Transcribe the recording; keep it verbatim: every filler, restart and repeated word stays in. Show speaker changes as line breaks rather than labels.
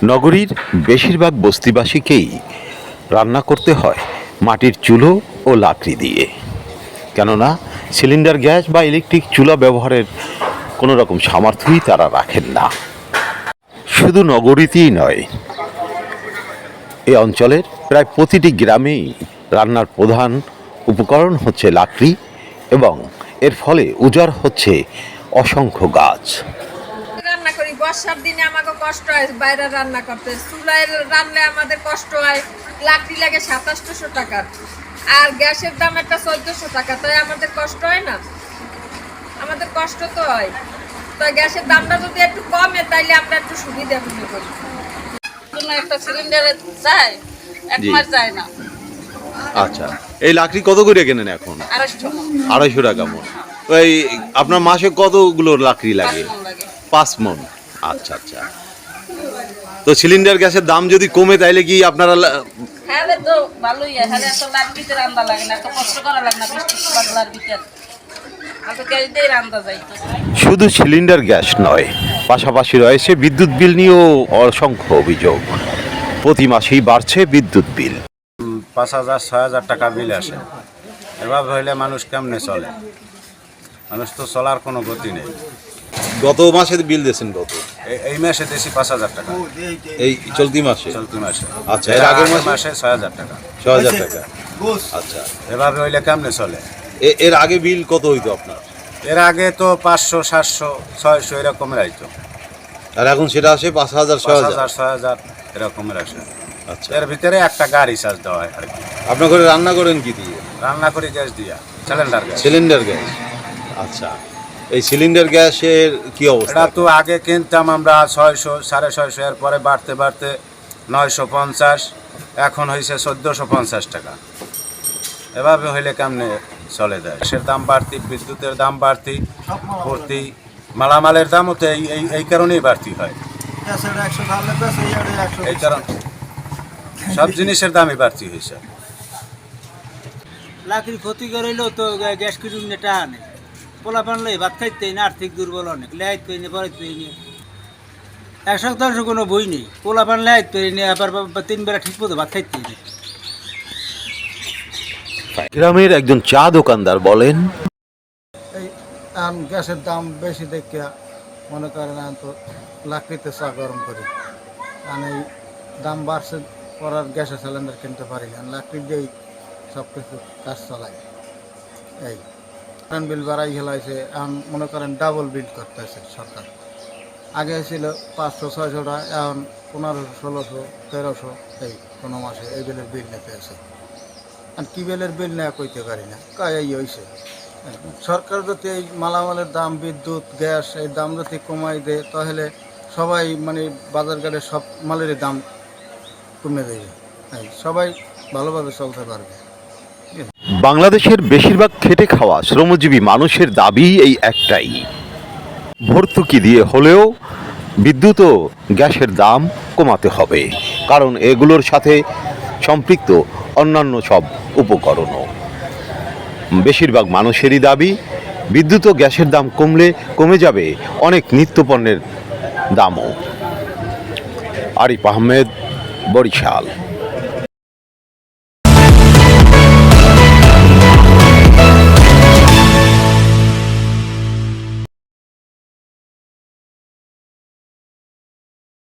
নগরীর বেশিরভাগ বস্তিবাসীকেই রান্না করতে হয় মাটির চুলো ও লাকড়ি দিয়ে, কেননা সিলিন্ডার গ্যাস বা ইলেকট্রিক চুলা ব্যবহারের কোনো রকম সামর্থ্যই তারা রাখেন না। শুধু নগরীতেই নয়, এই অঞ্চলের প্রায় প্রতিটি গ্রামেই রান্নার প্রধান উপকরণ হচ্ছে লাকড়ি, এবং এর ফলে উজাড় হচ্ছে অসংখ্য গাছ।
রান্না করি বর্ষার দিনে আমাকে কষ্ট হয় বাইরে রান্না করতে, চুলায় রান্না আমাদের কষ্ট হয়, লাকড়ি লাগে সাতাশশো টাকার, আর গ্যাসের দাম একটা চোদ্দশো টাকা, তাই আমাদের কষ্ট হয় না? আমাদের কষ্ট তো হয়। তাই গ্যাসের দামটা যদি একটু কমে তাইলে আমরা একটু সুবিধা মনে করি। একটা সিলিন্ডারে যায় এক মাস যায় না।
আচ্ছা, এই লাকড়ি কত করে কেনেন এখন?
আড়াইশো
আড়াইশো টাকা মন। এই আপনার মাসে কতগুলো লাকড়ি লাগে? পাঁচ মন। আচ্ছা আচ্ছা। তো সিলিন্ডার গ্যাসের দাম যদি কমে তাইলে কি আপনারা?
হ্যাঁ তো ভালোই, হ্যাঁ এত লাকড়িতে রান্না লাগে না, এত কষ্ট করা লাগে না, বৃষ্টি বাদলার ভিতর
শুধু সিলিন্ডার গ্যাস নয়, পাশাপাশি রয়েছে বিদ্যুৎ বিল নিয়েও অসংখ্য অভিযোগ। প্রতি মাসেই বাড়ছে বিদ্যুৎ বিল।
পাঁচ হাজার ছয় হাজার টাকা বিল আসে। এভাবে হইলে মানুষ কেমনে চলে? মানুষ তো চলার কোনো গতি নেই।
গত মাসে বিল দিয়েছেন কত?
এই মাসে দিয়েছি পাঁচ হাজার টাকা।
এই চলতি মাসে?
চলতি মাসে।
আচ্ছা, এর আগের
মাসে ছয় হাজার টাকা।
ছয় হাজার টাকা। আচ্ছা,
এভাবে হইলে কেমনে চলে?
এর আগে বিল কত হইতো আপনার?
এর আগে তো পাঁচশো সাতশো ছয়শো এরকমের আইতো,
আর এখন সেটা আসে পাঁচ হাজার ছয় হাজার
ছয় হাজার এরকমের আসে।
আচ্ছা,
এর ভিতরে একটা গাড়ি চার্জ দেওয়া হয় আর কি।
আপনার ঘরে রান্না করেন কি দিয়ে?
রান্না করি গ্যাস দিয়া, সিলিন্ডার গ্যাস।
Cylinder gas. আচ্ছা, এই সিলিন্ডার গ্যাসের কি অবস্থা?
এটা তো আগে কিনতাম আমরা ছয়শো সাড়ে ছয়শো, এর পরে বাড়তে বাড়তে নয়শো পঞ্চাশ, এখন হয়েছে চোদ্দোশো পঞ্চাশ টাকা। এভাবে হইলে কেমনে চলে যায়? গ্যাসের দাম বাড়তি, বিদ্যুতের দাম বাড়তি, ভর্তি মালামালের দামও তো এই এই কারণেই বাড়তি হয়। এই কারণ সব জিনিসের দামই বাড়তি হয়েছে।
লাকড়ি ক্ষতি করাইলেও তো গ্যাস কিনুন এটা আনে, পোলা পানলে ভাত খাইতে না, আর্থিক দুর্বল অনেক, লেহাইত পেয়ে নি পরে পেয়ে নি, এক শতাংশ কোনো বই নেই, পোলা পান লেহাইত পেয়ে নি, আবার তিন বেলা ঠিক মতো ভাত খাইতে নেই।
গ্রামের একজন চা দোকানদার বলেন,
এই গ্যাসের দাম বেশি দেখে মনে করেন তো লাকড়িতে চা গরম করি, কারণ এই দাম বাড়ছে পরার গ্যাসের সিলিন্ডার কিনতে পারি না, লাকড়ি দিয়েই সব কিছু কাজ চালাই। এই কারেন্ট বিল বাড়াই খেলাইছে, এখন মনে করেন ডাবল বিল করতেছে সরকার। আগে ছিল পাঁচশো ছয়শো টাকা, এখন পনেরোশো ষোলোশো তেরোশো এই কোনো মাসে এই বিলের বিল নিতে আছে। আর কী বিলের বিল নেওয়া কইতে পারি না, কাই এই হয়েছে। সরকার যদি এই মালামালের দাম, বিদ্যুৎ গ্যাস এই দাম যদি কমাই দেয় তাহলে সবাই মানে বাজার ঘাটে সব মালের দাম কমে দেবে, সবাই ভালোভাবে চলতে পারবে।
বাংলাদেশের বেশিরভাগ খেটে খাওয়া শ্রমজীবী মানুষের দাবি এই একটাই, ভর্তুকি দিয়ে হলেও বিদ্যুৎ ও গ্যাসের দাম কমাতে হবে, কারণ এগুলোর সাথে সম্পৃক্ত অন্যান্য সব উপকরণও। বেশিরভাগ মানুষেরই দাবি বিদ্যুৎ ও গ্যাসের দাম কমলে কমে যাবে অনেক নিত্যপণ্যের দামও। আরিফ আহমেদ, বরিশাল।